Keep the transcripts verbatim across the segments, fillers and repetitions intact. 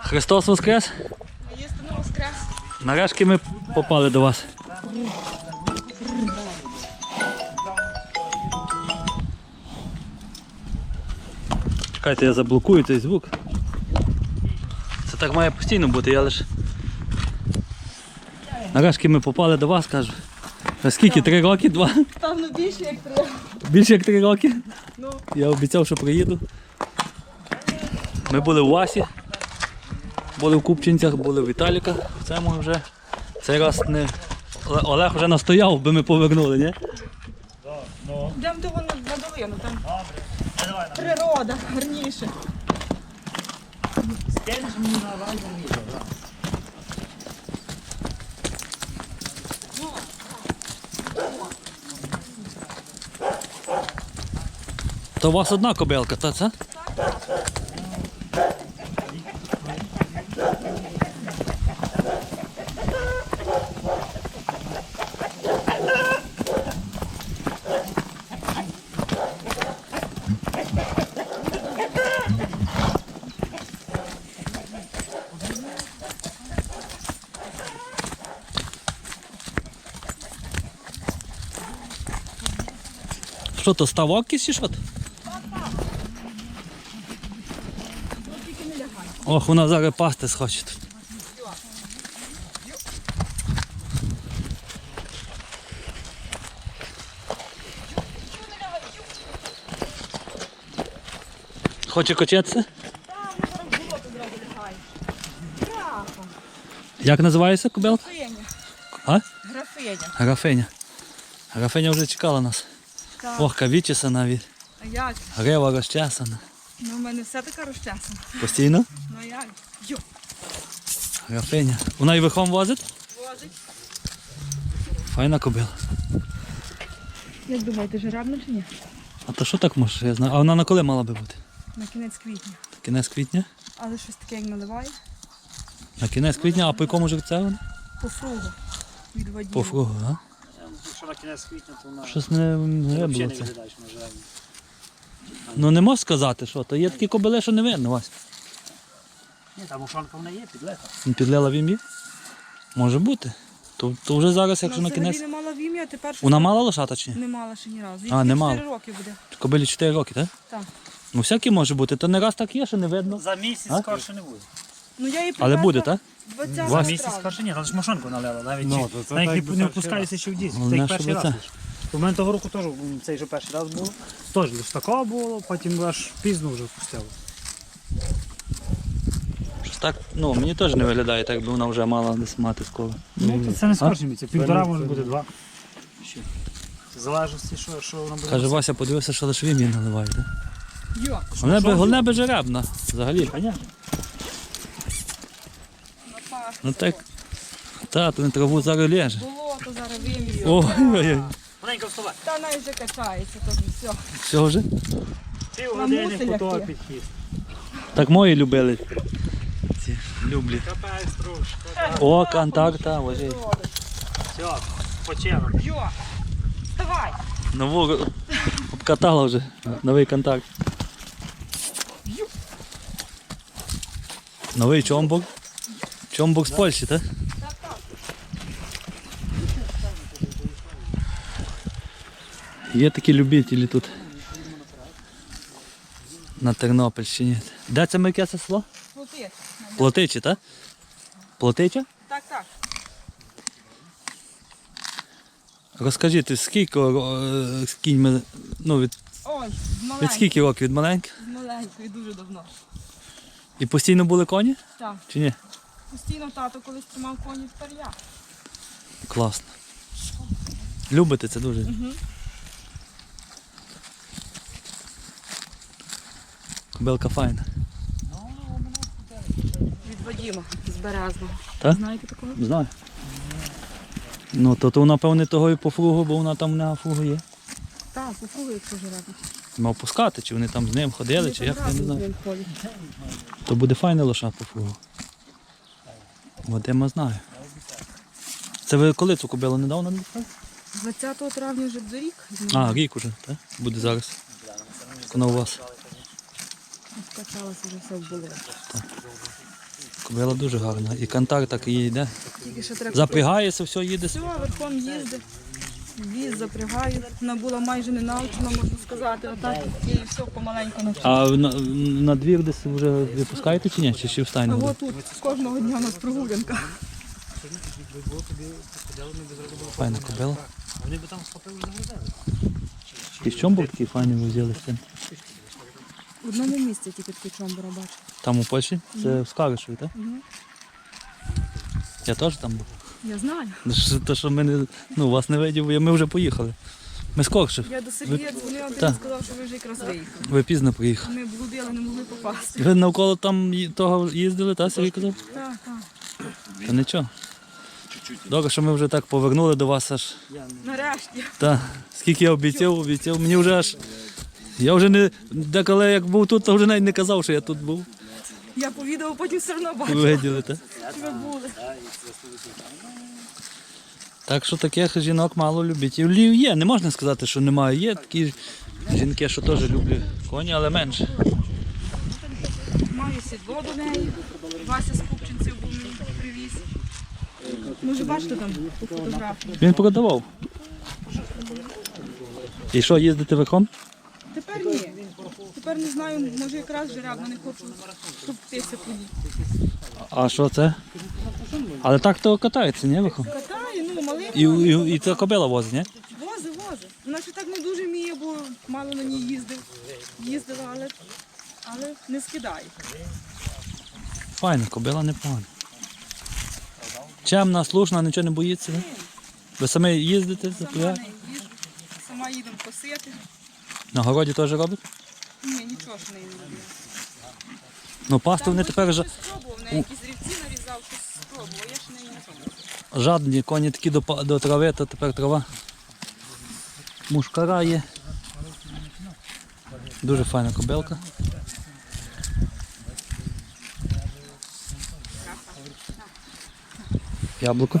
Христос Воскрес! Воістину Воскрес! Нарешті ми попали до вас. Чекайте, я заблокую цей звук. Це так має постійно бути, я лише... Нарешті ми попали до вас, кажу. А скільки? Три роки? Два? Певно більше як три. Більше як три роки? Ну. Я обіцяв, що приїду. Ми були у Васі, були в Купчинцях, були в Віталіка. Це ми вже цей раз не... Олег вже настояв, би ми повернули, ні? Йдемо до на, на долину, там природа гарніше. Стельнеш мені на вальгу відео, так? То у вас одна кобилка, та це? Що то, ставок якийсь чи що? Ох, вона зараз пасти схоче тут. Хоче качатися? Як називається кобилка? Графиня. А? Графиня. Графиня. Графиня вже чекала нас. Так. Ох, кавічеса навіть. А як? Грива розчесана. Ну, в мене все така розчесана. Постійно? Ну а як? Йо. Графиня. Вона і верхом возить? Возить. Файна кобила. Як думаєте, жеребна чи ні? А то що так може? Я знаю. А вона на коли мала би бути? На кінець квітня. Кінець квітня? Але щось таке як наливає. На кінець квітня, а по якому жеребцю вона? По фругу. Від водію. По фругу, а? Якщо на кінець квітня, то вона Щось не, не взагалі було не це. виглядаєш на жеребні. Ну не можеш сказати, що то. Є такі кобили, що не видно, Вась. Ні, там ушонка вона є, підлета. Не підлила в ім'ї? Може бути. То, то вже зараз, якщо на Вона взагалі кінець. не мала в ім'я, а тепер щось Вона мала лошата чи ні? не мала ще ні разу. Їй А, не тільки мала. чотири роки буде. Кобилі чотири роки, так? Так. Ну всякі може бути. То не раз так є, що не видно. За місяць А? скорше не буде. Ну я її Але привезла буде, так? двадцятого За Вас- місяць травня. скорше ні, але ж машинку налила. Навіть, Ну, чи- то це навіть так не, би не перший впускаються ще в дійсно. Головне, Це як щоб перший раз. оце. лиш. У мене того року теж м, цей же перший раз було. Теж лише такого було, потім аж пізно вже впустило. Щось так, ну мені теж не виглядає, так би вона вже мала десь мати скоро. Ну, то це не А? скорше місяць. Півтора може бути два. Ще. В залежності, що, що вона буде. Каже, Вася, подивився, що лише в ім'ї наливають, так? Йо. Головне би, головне би жеребна, взагалі. Понятно. На пах. Ну так, та, то не траву зараз лєже. Болото зараз вимію. Ой-ой-ой, Маленько вставай. Та навіть вже качається, то все. все вже? Пів Вона години мусить по того лягти. підхід. Так мої любили. Ці люблі. Капець трошки. О, контакт, та, ложить. Все, почемо. Йо. Вставай. Нову обкатала вже, новий контакт. Новий чомбок. Чомбок з Польщі, так? Так, так. Є такі любителі тут. На Тернопільщині. Де це ми, яке це село? Плути. Плотичі, так? Плотича? Так, так. Розкажіть, скільки е, з кіньми, ну від, Ой, з від маленької. скільки років? Від маленьких? З маленької, дуже давно. І постійно були коні? Так. Чи ні? Постійно тато колись тримав коні, тепер я. Класно. Любите це дуже? Угу. Кобилка файна. Від Вадима з Березного. Так? Знаєте такого? Знаю. Ну, то, то напевне того і по фругу, бо вона там на фругу є. Так, попробуй, якщо жеребно. Мав пускати, чи вони там з ним ходили, чи як, я не знаю. Він ходить. То буде файний лоша по фругу. Вадима знаю. Це ви коли цю кобилу недавно не пускали? двадцятого травня вже буде рік. А, рік уже, так? Буде зараз. Вона у вас. Скачалася вже все в болоті. Кобила дуже гарна. І кантар так і йде. Тільки ще треба. Запрягається, все, їде. Все, верхом їздить. Віз запрягаю. Вона була майже не навчена, можна сказати. Отак і все помаленьку навчила. А на, на двір десь вже випускаєте чи ні? Чи ще в А стайні буде? от тут кожного дня у нас прогулянка. Файна кобила. Вони би там схопили загрузили. І в чому був такий файний ви взяли з цим? В одному місці тільки такий чомбура бачу. Там у Польщі? Це в Скаришеві, так? Мгм. Я теж там був. Я знаю. Те, що ми не, ну, вас не видів, ми вже поїхали. Ми з Коршев. Я до Сергія дзвонила, ти Так. мені сказав, що ви вже якраз виїхали. Ви пізно приїхали. Ми блудили, не могли попасти. Ви навколо там ї- того їздили, так, Сергій казав? Так, так. Та нічого. Добре, що ми вже так повернули до вас аж. Нарешті. Та, скільки я обіцяв, обіцяв. Мені вже аж. Я вже не. Деколи як був тут, то вже навіть не казав, що я тут був. Я по відео потім все одно бачила, Виділи, так? що ви були. Так що таких жінок мало любителів є. Не можна сказати, що немає. Є такі жінки, що теж люблять коні, але менше. Маю сідло до неї. Вася з Купчинців був мені привіз. Може, бачите там по фотографії. Він продавав. І що, їздити верхом? Тепер ні. Тепер не знаю, може якраз жеребно не хочу, щоб птиця поїхала. А що це? Але так то катається, ні, верхом? Катає, ну малий. І, і, і це кобила возить, ні? Вози, вози. Вона ще так не дуже вміє, бо мало на ній їздив. Їздила, але, але не скидає. Файна, кобила непогана. Чемна, слушна, нічого не боїться, не? Ви самі їздите, Сама запрягаєте? не їжджу, сама їдемо косити. На городі теж робите? Ні, нічого ж не робила. Ну, пасту вони тепер жа... щось спробував, на якісь рівці нарізав, щось спробував, я ж не нічого. жадні, коні такі до, па- до трави, то тепер трава. Мушкара є. Дуже файна кобилка. Яблуко.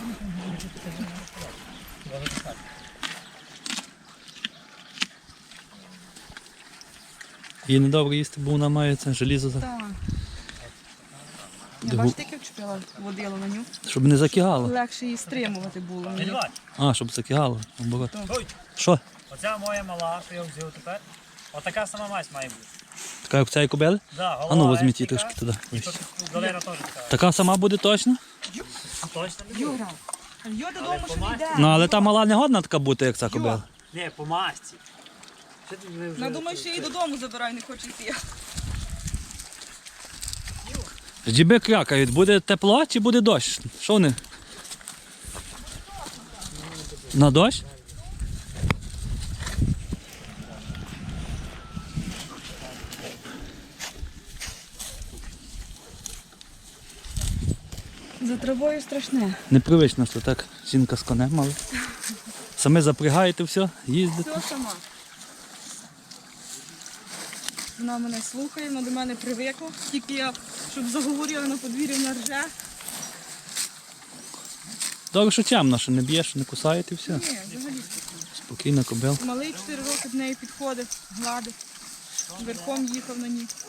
Їй недобре їсти, бо вона має це желізо, за- Так. Я Де бачите, як вчепила водила на ню. щоб не закигало. Легше її стримувати було мені. А, щоб закигало. Наоборот. Ой, Що? оця моя мала, що я взяв тепер. Отака сама мать має бути. Така як цієї кобили? Да, А ну голова візьміть її естика, трошки туди. І тут галера теж така. Така сама буде точно? Точно не буде. Юра, а йо додому що не йде. Ну але та мала не годна така бути, як ця кобила. Ні, по масті. Що ти не вже... Вона думає, що я її додому забираю, не хоче йти. Джіби крякають, буде тепло чи буде дощ? Що вони? На дощ? За травою страшне. Непривично, що так жінка з конем, але самі запрягаєте все, їздите. Все сама. Вона мене слухає, вона до мене привикла. Тільки я, щоб заговорила на подвір'ї, вона рже. Добре, що темно, що не б'є, що не кусаєте і все. Ні, взагалі. Спокійна кобилка. Малий чотири роки до неї підходить, гладить. Верхом їхав на ній.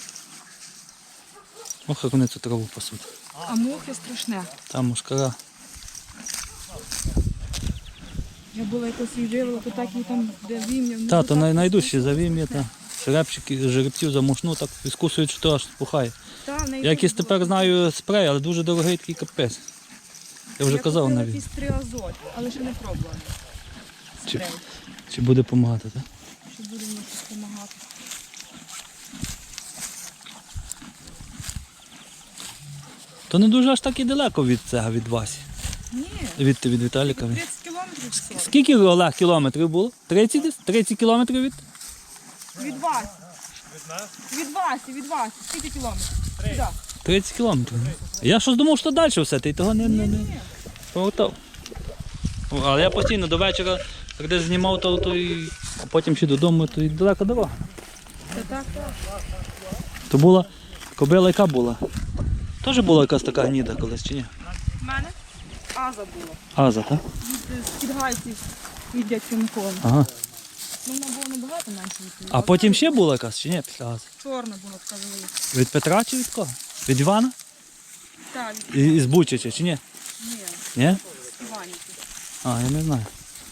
Ох, як вони цю траву пасуть. А мухи страшне. Там мушкара. Я була якось її вивела, то так її там, де вім'я. Та, то най- найдужчі завім'я, та. Жеребчики, жеребців замушну, так відкусують, що то аж спухає. Я якийсь тепер знаю спрей, але дуже дорогий такий капець. Я вже казав купила навіть. якийсь триазот, але ще не пробувала. Чи, Спрей, чи буде допомагати, так? що буде мені щось допомагати. То не дуже аж так і далеко від цього, від Васі. Ні, Від, від Віталіка. тридцять кілометрів всього. Скільки Олег кілометрів було? тридцять десь? тридцять кілометрів від? Від Васі. Від Васі, від Васі. Скільки кілометрів? Сюди. тридцять кілометрів. Я щось думав, що далі все, ти того не, не, не Ні. повертав. Але я постійно до вечора, коли знімав, то, то і, а потім ще додому, то і далека дорога. Та так, так. То була кобила, яка була? Теж була якась така гніда колись, чи ні? В мене Аза була. Аза, так? Від підгайців від дядька Миколи. Ага. Ну, вона була набагато менше від тієї. А потім ще була якась, чи ні, після Ази? Чорна була така велика. Від Петра чи від кого? Від Івана? Так, І- Із Бучача, чи ні? ні, Ні? Іванівки. А, я не знаю.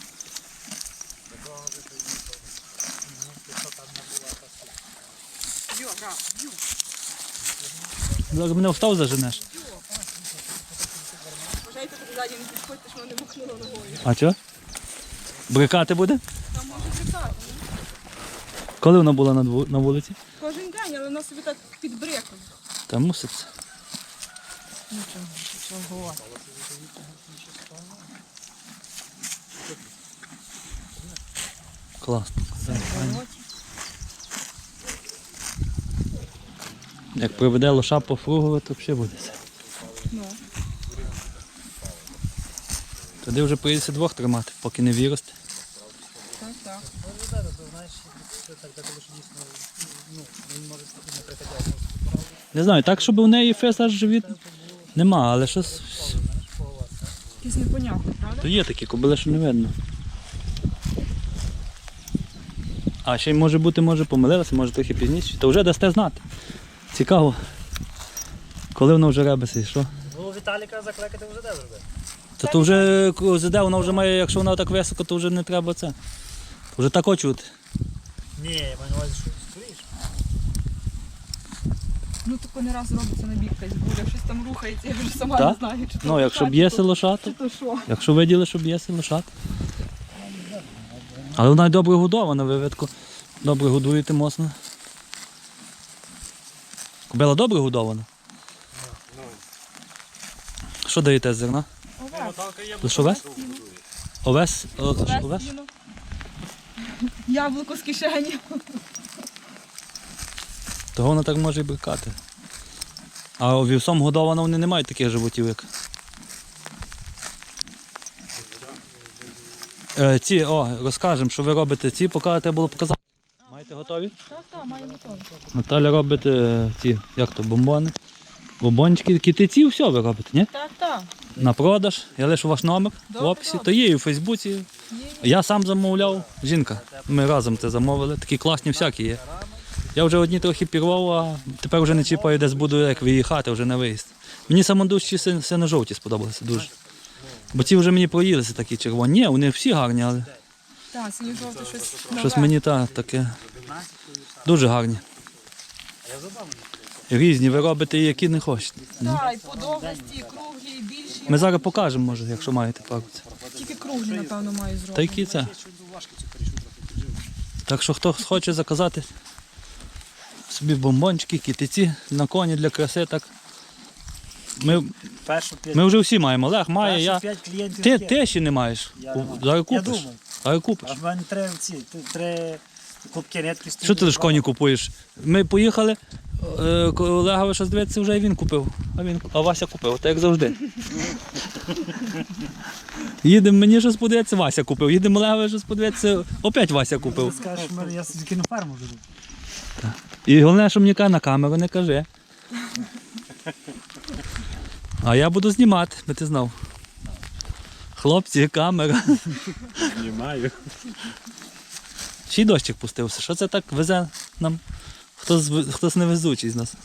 Йо, брат, йо. Зараз мене встав заженеш. Бажайте, тут ззаді не підходьте, що вони махнули ногою. А чого? Брикати буде? Там може брикати. Коли вона була на, дву- на вулиці? Кожен день, але вона собі так під бреком. Та мусить. Нічого, чого. Класно. Як приведе лоша по фругове, то взагалі буде. Ну, Тоді вже прийдеться двох тримати, поки не виросте. так, так. Не знаю, так, щоб у неї фес аж живіт нема, але щось. Якісь непонятне, правда? То є такі кобили, що не видно. А ще й може бути, може помилилася, може трохи пізніше. То вже дасте знати. Цікаво. Коли воно вже ребеться і що? Ну, Віталіка закликати вже де вже. То, то вже ЗД, вона вже має, якщо вона так високо, то вже не треба це. Вже так очути. Ні, я маю на увазі, що стоїш. Ну, тако не раз робиться на бік якась буде, щось там рухається, я вже сама Так? не знаю, чи то Ну, якщо лошадь, б'є чи то- лошата, чи то що. якщо виділи, що б'є лошат. Але вона й добре годована, ви видко. Добре годуєте моцно. Кобила добре годована? Що даєте з зерна? Овес. Лише овес? Овес? О, Овес, овес? сіно. Яблуко з кишені. Того вона так може і брикати. А вівсом годована вони не мають таких животів, як. Е, ці, о, розкажемо, що ви робите ці, поки треба було показати. Маєте готові? Так, так, має готово. Наталя робить е, ці, як то, бомбони. Бомбончики, китиці, все ви робите, ні? Так, так. На продаж. Я лишу ваш номер в Добре, описі. добре. То є і в Фейсбуці. Є. Я сам замовляв, жінка. Ми разом це замовили. Такі класні всякі є. Я вже одні трохи пірвав, а тепер вже не чіпаю, десь буду як виїхати вже на виїзд. Мені самодущі сино-жовті сподобалися дуже. Бо ці вже мені проїлися такі червоні. Ні, вони всі гарні, але Так, синьо жовте щось щось нове. мені та, таке дуже гарні. Різні, ви робите, і які не хочете. Так, і подовгості, і круглі, і більші. Ми зараз покажемо, може, якщо маєте пару. Тільки круглі, напевно, маю зробити. Та які це? Так що хто хоче заказати собі бомбончики, китиці на коні для краси, так. Ми, Першу п'ять, ми вже всі маємо. Олег має, першу я. п'ять клієнтів. Ти, є. ти ще не маєш. Я У- не маю. Зараз Я купиш. думав. Зараз купиш. А в мене три ці, т- три клубки нитки стоять. Що ти лиш коні купуєш? Ми поїхали, е, коли Олегові щось дивиться, вже і він купив. А, він, а Вася купив, так як завжди. Їдемо, мені щось подивиться, Вася купив. Їдемо Олегові щось подивиться, опять Вася Ти купив. скажеш, що я тільки на ферму веду. І головне, що мені каже, на камеру не кажи. А я буду знімати, би ти знав. Хлопці, камера. Знімаю. Ще й дощик пустився. Що це так везе нам? Хтось, хтось невезучий з нас.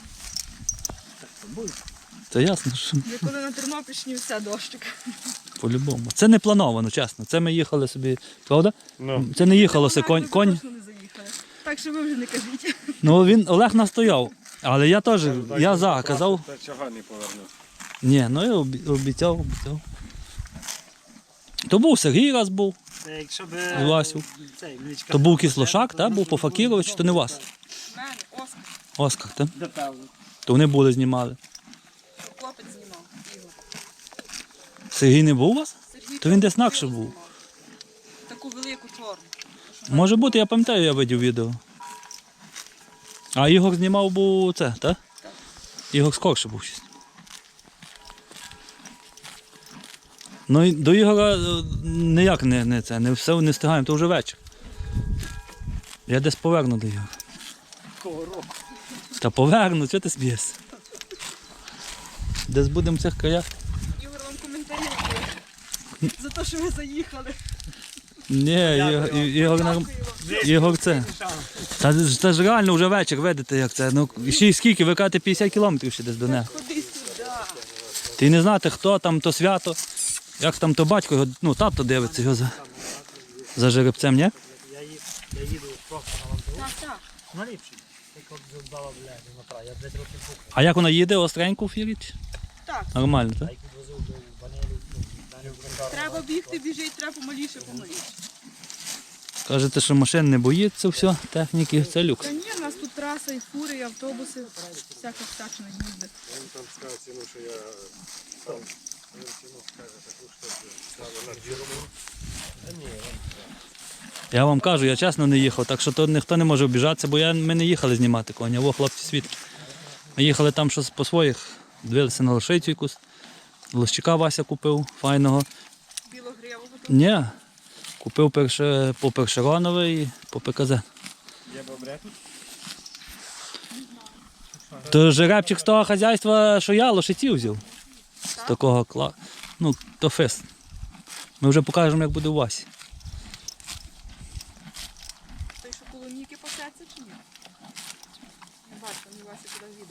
Це ясно, що Я коли на Тернопільщині все дощик. по-любому. Це не плановано, чесно. Це ми їхали собі, правда? Це не їхалося конь. Ми конь. точно не заїхали. Так що ви вже не кажіть. Ну він Олег настояв. Але я теж, я за, казав. Та чого не повернув? Ні, ну я обі- обіцяв, обіцяв. То був Сергій раз був, Це якщо б... з Васю. Цей, млічка. То був Кислошак, та? Був по Факіровичу, то не вас. У мене Оскар, Оскар, так? Напевно. То вони були, знімали. хлопець знімав. Ігор. Сергій не був у вас? Сергій То він десь Кравчук інакше був. знімав. Таку велику чорну. Може бути, я пам'ятаю, я видів відео. А Ігор знімав був це, так? Так. Ігор скорше був щось. Ну і до Ігора е, ніяк не, не це, не все не встигаємо, то вже вечір. Я десь поверну до Ігора. Кого року? Та поверну, чого ти смієшся? Десь будемо в цих краях. Ігор вам коментарі робив. За те, що ви заїхали. Ні, Ігор, Ігор, нар- Дякую вам. Ігор це. Та, ж- та ж реально вже вечір, видите, як це. Ну, ще й скільки, ви кажете, п'ятдесят кілометрів ще десь до неї. Ходи сюди. Ти не знати, хто там, то свято, як там то батько, його, ну тато дивиться його за, за жеребцем, ні? Я, їду, я їду просто на вантову. Так, так. На ліпший. Так от здала, блядь, Дмитра. Я десь років був. А як вона їде, остренько в фірі? чи? Так. Нормально, так? А як відвозив до Банелі, ну, Даню Бондару. Треба бігти, біжить, треба помаліше, помаліше. Кажете, що машин не боїться, все, техніки, це люкс. Та ні, у нас тут траса, і фури, і автобуси, всяка всячина їздить. Він там сказав ціну, що я сам. Він ціну скаже таку, що ставив на фірму. Я вам кажу, я чесно не їхав, так що тут ніхто не може обіжатися, бо я, ми не їхали знімати коня, во хлопці свідки. Ми їхали там щось по своїх, дивилися на лошицю якусь. Лощика Вася купив, файного. Білогривого тут. Ні, купив перше, по Першеронове і по ПКЗ. Є добре тут? То жеребчик з того хазяйства, що я лошиців взяв. З такого кла. Ну, то фест. Ми вже покажемо, як буде у Васі. Той, що коло Ніки пасеться чи ні? Не бачу, мені Вася куди їде.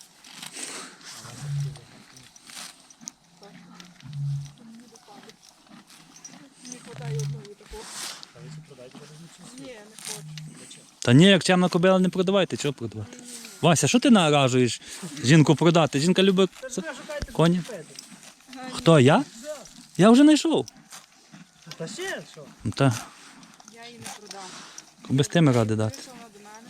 Не хватає одної такого. Ні, не хочу. Та ні, як чемна кобила не продавайте, чого продавати? Вася, що ти наражуєш жінку продати? Жінка любить це- коні. Хто, я? Я вже знайшов. Та ще, що? Ну, Та, Я її не продам. без тими ради дати. Вийшла вона до мене.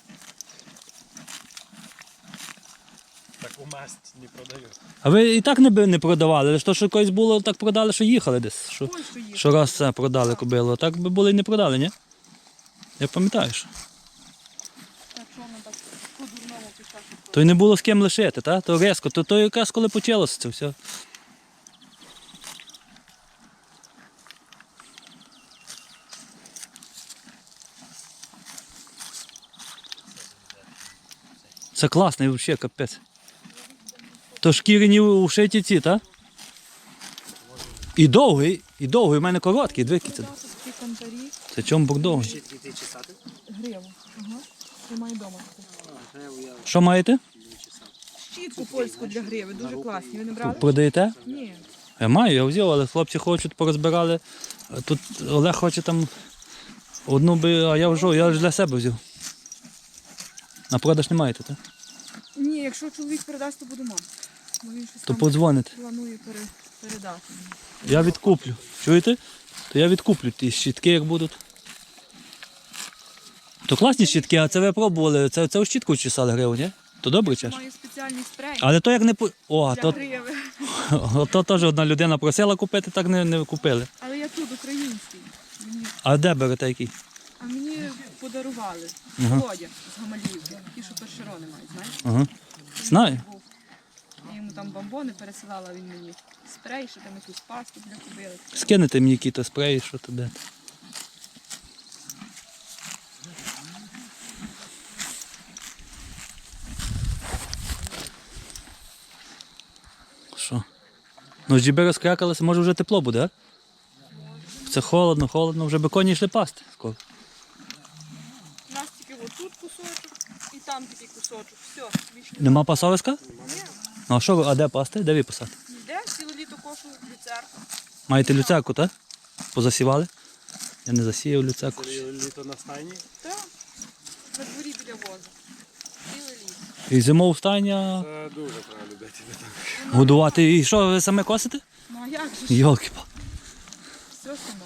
Таку масть не продаю. А ви і так не, би- не продавали, лише то, що колись було, так продали, що їхали десь. Що, Польщу їхала. що раз це продали кобилу, а так би були і не продали, ні? Я пам'ятаю, що. Так що вона так по-дурному пішла, що То й не було з ким лишити, та? То різко, то, то якраз коли почалося це все. Це класний взагалі, капець. То шкіряні ушиті ці, так? І довгий, і довгий, у мене короткий, дві це. продав тут такі кантарі. Це чому бук довгий? Ще дві ти чесати? Гриву. Ага. Я маю вдома. Що маєте? Щітку польську для гриви, дуже класні. Ви не брали? Продаєте? Ні. Я маю, я взяв, але хлопці хочуть, порозбирали. Тут Олег хоче там одну би, а я вже, я ж для себе взяв. На продаж не маєте, так? Ні, якщо чоловік передасть, то буду мати. Бо він щось То там подзвоните. планує пере, передати. мені. Я відкуплю. Чуєте? То я відкуплю ті щітки, як будуть. То класні щітки, а це ви пробували. Це, це у щітку чесали гриву, ні? То добре чеш? Маю спеціальний спрей Але то як не по. О, для то, гриви. то теж одна людина просила купити, так не, не купили. Але я тут український. Мені, А де берете який? а мені подарували Ага. Володя з Гамаліївки. Ті, що першерони мають, знаєш? Ага. Знаю. Був. Я йому там бомбони пересилала, він мені спрей, що там якусь пасту для кобили. Скинете мені якісь спреї, що то де. Що? Ну, джіби розкрякалися, може вже тепло буде, а? Це холодно, холодно, вже би коні йшли пасти скоро. У нас тільки отут кусочок і там такий кусочок. Все, більше не Нема пасовиська? Ні. Ну а що, ви- а де пасти? Де ви пасати? Йде, ціле літо кошу люцерку. Маєте люцерку, так? Позасівали? Я не засіяв люцерку. Це літо на стайні. Так, на дворі біля возу. Ціле літо. І зимову стайня Це дуже треба любити. годувати. І що, ви саме косите? Ну а як же ж? Йолки-па. Все само.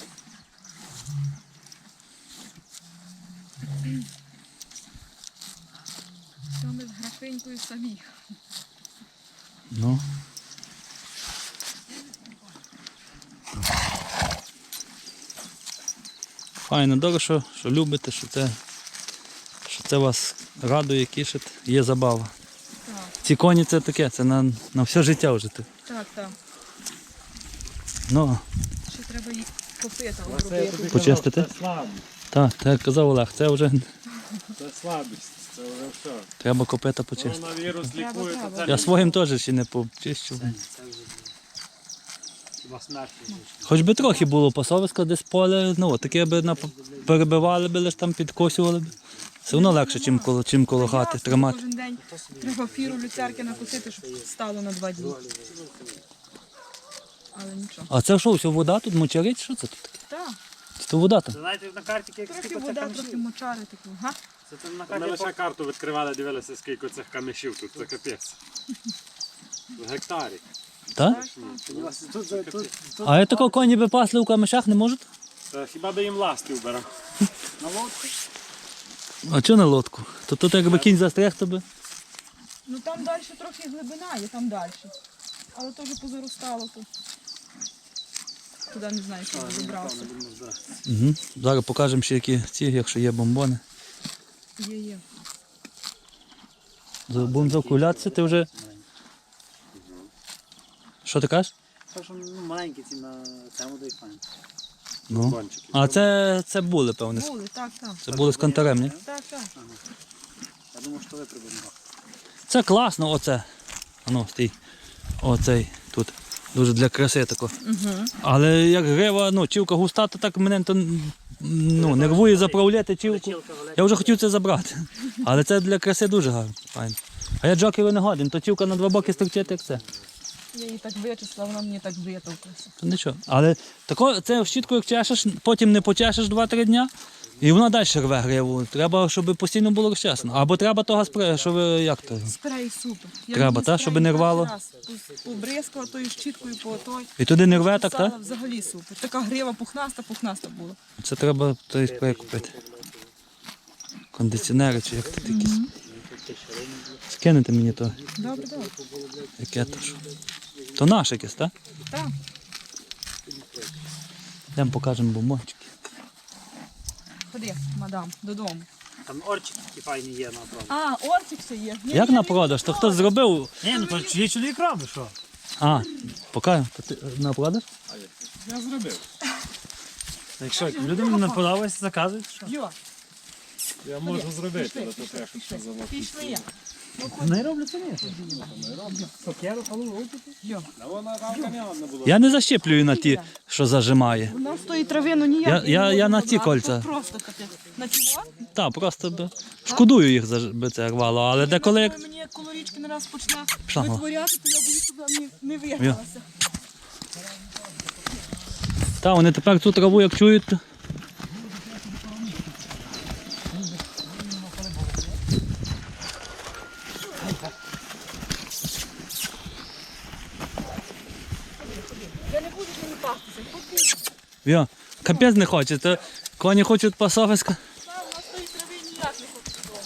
Все ми з графинькою самі. Ну. Файно, добре, що, що любите, що це, що це вас радує, кішить, є забава. Так, Ці коні це таке, це на, на все життя вже. ти. так, так. Ну, Ще треба їх копита Це я обробити. тобі Почистити? казав, Це слабість. так, так як казав Олег, це вже Це слабість. Це вже все. треба копита почистити. Коронавірус Треба, лікує, треба. то це Я своїм теж ще не почищу. Це вже хіба смерть. Хоч би трохи було пасовиська десь поле, ну таке би на, перебивали би, лиш там підкосювали б. Все одно легше, чим коло, чим коло хати Ясно, тримати. Кожен день треба фіру люцерки накусити, щоб стало на два дні. Але нічого. А це що, все вода тут мочарить? Що це тут таке? Так, Це вода там? Знаєте, на карті як трохи скільки вода, цих трохи камішів? мочари такі. Га? Це там на Ми карті лише карту відкривали, дивилися, скільки цих камішів тут, це капець. В гектарі. Так? Тут, тут, тут, тут А я такого коні би пасли у камешах не можуть? Та хіба би їм ласти вбирав? на лодку. А чого на лодку? То тут якби кінь застряг, то би. Ну там далі трохи глибина є, там далі. Але теж позаростало тут. Туди не знаю, що забрався. Угу. Зараз покажемо ще які ці, якщо є бомбони. Є, є. Будемо закулятися, ти вже. Що ти кажеш? Так що ну, маленькі ці на цьому дай файн. Ну. Бончики. А це, це були, певне. Були, так, так. Це були з кантарем, ні? Так, так. Я думав, що ви прибудемо. Це класно, оце. Ану, стій. Оцей тут. Дуже для краси тако. Угу. Але як грива, ну, чівка густа, то так мене то, ну, нервує заправляти чівку. Я вже хотів це забрати. Але це для краси дуже гарно. Файно. А я джокеру не годен, то чівка на два боки строчити, як це. Я її так вичисла, вона мені так витовклася. То нічого. Але тако, це щітку як чешеш, потім не почешеш два-три дня, і вона далі рве гриву. Треба, щоб постійно було розчесно. Або треба того спрею, щоб як то. Спрей супер. Я Треба, мені та, спрей щоб не перший рвало? раз Побризкала тою щіткою по той. І туди не рве так, Писала, так? взагалі супер. Така грива пухнаста, пухнаста була. Це треба той спрей купити. Кондиціонери чи як тут якісь. Скинете мені то, Добре, добре. яке то що. То наш якесь, так? Так. Йдемо покажемо бомбончики. Ходи, мадам, додому. Там орчики такі файні є на продаж. А, ортик ще є. Ні, Як ні, на ні, продаж? То хтось зробив. Ні, ну то чиї чоловік робить, що? А, покажемо. То ти на продаж? Я зробив. Якщо людям не подобається, заказують, що? Йо, Я можу зробити, пішли, але то пішли, треба, щоб пішли. це завод. Пішли. Не роблю самі. Сокеру, халу, рубити. Йо. А вона рамка не одна була. Я не защеплюю на ті, що зажимає. Вона з тої трави, ну ніяк. Я- не я- можна я на ці забрати. кольця. Тут просто капець. На чого? Так, просто би. Шкодую їх, за- би це рвало, але деколи як. Коли мені як колорічки не раз почне Пішла, мала. витворяти, то я боюсь, щоб вона не, не вигналася. Та, вони тепер цю траву як чують. то- Я не буду з ними пастися. Поки Йо, капець не хоче, то коні хочуть пасовиська. там на тої трави ніяк не хочу додому.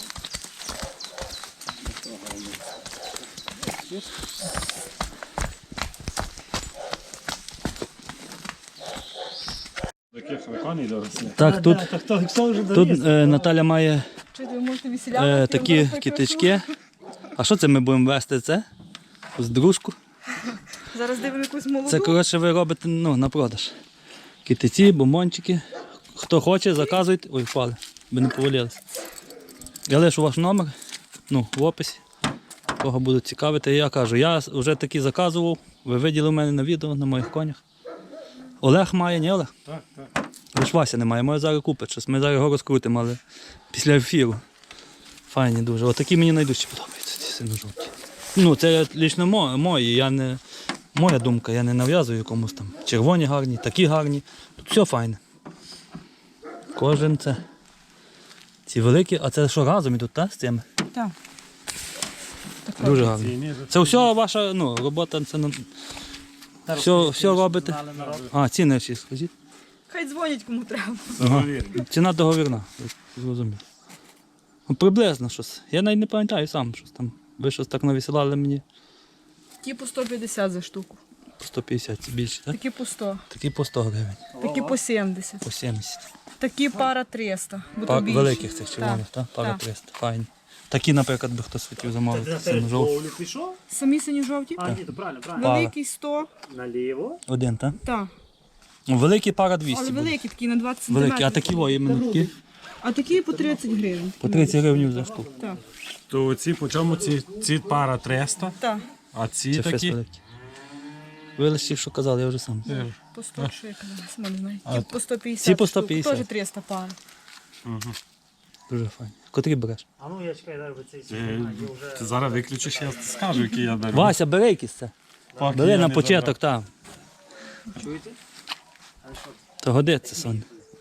Таких виконій дорослі. Так, тут, Так, хто, хто вже тут довіз? е, Наталя має Чи ви можете веселяти? е, такі кітички. А що це ми будемо вести? Це? З дружку. Зараз дивимо якусь молоду. Це, коротше, ви робите ну, на продаж. Китиці, бомбончики. Хто хоче, заказуйте. Ой, впали, би не повалилися. Я лишу ваш номер ну, в описі. Кого будуть цікавити. Я кажу, я вже такі заказував. Ви виділи в мене на відео на моїх конях. Олег має, ні Олег? Так, так. Лиш Вася немає, може зараз купить щось. Ми зараз його розкрутимо, але після ефіру. Файні дуже. Отакі мені найдужче подобаються, ці синьо-жовті. Ну, це лічно мо- мої, я не, моя думка, я не нав'язую комусь там. Червоні гарні, такі гарні. Тут все файне. Кожен це. Ці великі, а це що разом ідуть, так, з цими? Так. Дуже гарні. Ціні ж Це все ваша ну, робота, це на- все, все робите. А, ціни всі скажіть. Хай дзвонять кому треба. Ага. договірні. Ціна договірна, я зрозумів. Ну, приблизно щось. Я навіть не пам'ятаю сам щось там. Ви щось так навісилали мені Такі по сто п'ятдесят за штуку. по сто п'ятдесят це більше, так? Такі по сто. Такі по сто гривень, Такі по сімдесят. по сімдесят. Такі пара триста. Бо Па- то більші. великих цих червоних, так? Пара Так. триста. Файні. Такі, наприклад, би хтось хотів замовити. Ти Синьо жовтий. ловлю пішов? Самі сині жовті? А, ні, то правильно, правильно. Пара. Великий сто. Наліво. Один, так? Так. Ну, великий пара двісті Але буде. великі такі на двадцять сантиметрів. Великі, а такі во, іменно такі. А такі по тридцять гривень. По тридцять гривень за штуку. Так. То ці, по чому ці, ці пара триста, Так. а ці Це фест такі. великий. Ви лише що казали, я вже сам. По сто, що я казала, сама не знаю. Ті по сто п'ятдесят. ці по сто штук. п'ятдесят. Теж триста пар. Дуже файні. Котрі береш? А ну я чекаю, зараз цей Ти, сьогодні є вже. ти зараз виключиш, я скажу, який я беру. Вася, бери якісь це. Поки Бери я на не початок, так. Чуєте? А що? То годиться, Соня.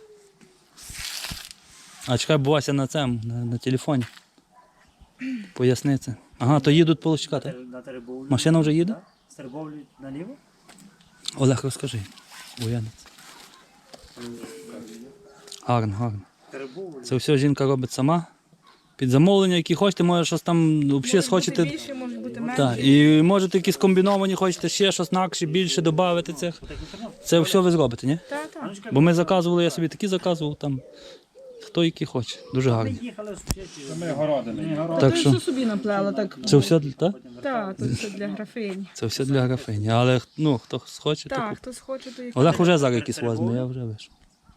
А чекай, бо Вася на цьому, на, на телефоні. Поясни це. Ага, то їдуть полочкати. На Теребовлю. Машина вже їде? З Теребовлю наліво? Олег, розкажи. Буянець. Гарно, гарно. Теребовлю. Це все жінка робить сама. Під замовлення, які хочете, може щось там взагалі схочете. більше, може бути менше. Так, і можете якісь комбіновані, хочете ще щось інакше, більше додати цих. Це все ви зробите, ні? Так, так. Бо ми заказували, я собі такі заказував там. Хто який хоче. Дуже гарні. Їхали з Ми городини. Так Ти що все собі наплела, так. це все для так? Так, тут все для графині. Це все для графині. Але ну, хто схоче, то Так, купить. хтось хоче, то їх. Олег уже зараз якісь возьме, я вже вийшов.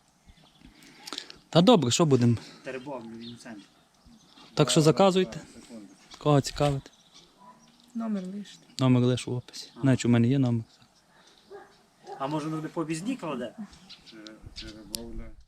Та добре, що будемо? Теребовлю, він в центрі. Так що заказуйте. Кого цікавить. Номер лишити. Номер лише в описі. Навіть у мене є номер. А може вони по обізні кладе? Черебовля.